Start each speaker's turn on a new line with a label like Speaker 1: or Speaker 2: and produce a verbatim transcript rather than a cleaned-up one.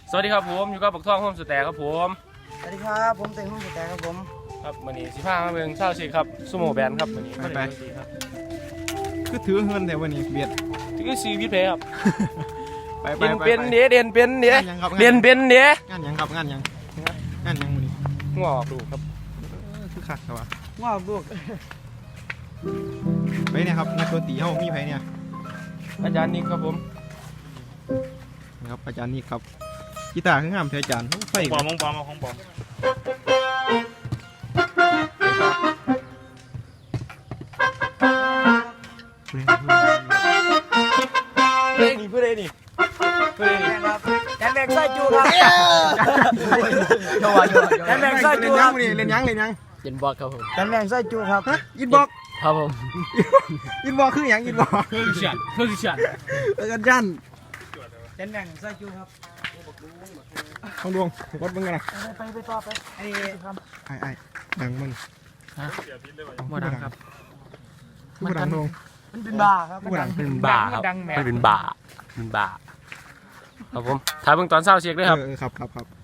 Speaker 1: สวัสดีครับผมอยู่กับปักท่องโฮมสแตร์ครับผม
Speaker 2: สวัสดีครับผมเต็งห้องสแตนครับผม
Speaker 1: ครับวันนี้สิบห้ามาเมืองเช่าชิคครับซูโม่แบนครับวันนี้
Speaker 3: ไปคือถือเงินแต่วันนี้เบียด
Speaker 1: ที่ก็ซีพิเพย์ครับ
Speaker 3: ไปไป
Speaker 1: เด่น
Speaker 3: ไป
Speaker 1: เป็นเดียเด่นเป็นเดีย
Speaker 3: งานยังครับ
Speaker 1: เด่นเป็นเดีย
Speaker 3: งานยังครับงานยังงานยังวันนี้
Speaker 1: งอดูครับ
Speaker 3: คือคักครับวะ
Speaker 2: ว้าวลูก
Speaker 3: ไปเนี่ยครับนักดนตรีเฮามีไผเนี่ย
Speaker 1: อาจารย์นิกครับผม
Speaker 3: นะครับอาจารย์นี่ครับกีตาร์คืองามเทอาจารย์ไฟ
Speaker 4: ปอมของปอมของปอม
Speaker 1: เพื่อนนี่เพื่อนนี่เพื่อนนี่
Speaker 2: ครับแดนแบกไส้จูครับแดนแบกไส้จู
Speaker 3: เล่น
Speaker 2: ค
Speaker 3: ยั
Speaker 2: รั
Speaker 3: ง
Speaker 2: บ
Speaker 3: วันนี้เล่นยังเล่นยัง
Speaker 5: เย็นบอลครับผม
Speaker 2: แดนแบกไส้จูครับ
Speaker 3: ฮะยินบอก
Speaker 5: ครับผม
Speaker 3: ยินบอกคือหยังยินบอก
Speaker 1: เพื่อนฉันเพื่อนฉัน
Speaker 3: อาจารย์
Speaker 2: แดนแบกไส้จูครับ
Speaker 3: ของดวงกดมึงกันนะ
Speaker 2: ไปไปต่อไปไอ้ครับ
Speaker 3: ไอ้ไอ้ดังมึง
Speaker 1: บ่ดังครับ
Speaker 3: คือบ่ดังดวง
Speaker 2: มันเป็นบ้าครับ
Speaker 3: คือบ่ดัง
Speaker 1: เป็นบ่าครับไม่เป็นบ่าเป็นบ่าครับผมถ่ายเบิ่งตอนเศร้าเช็คด้วยครับ
Speaker 3: เออครับครับครับ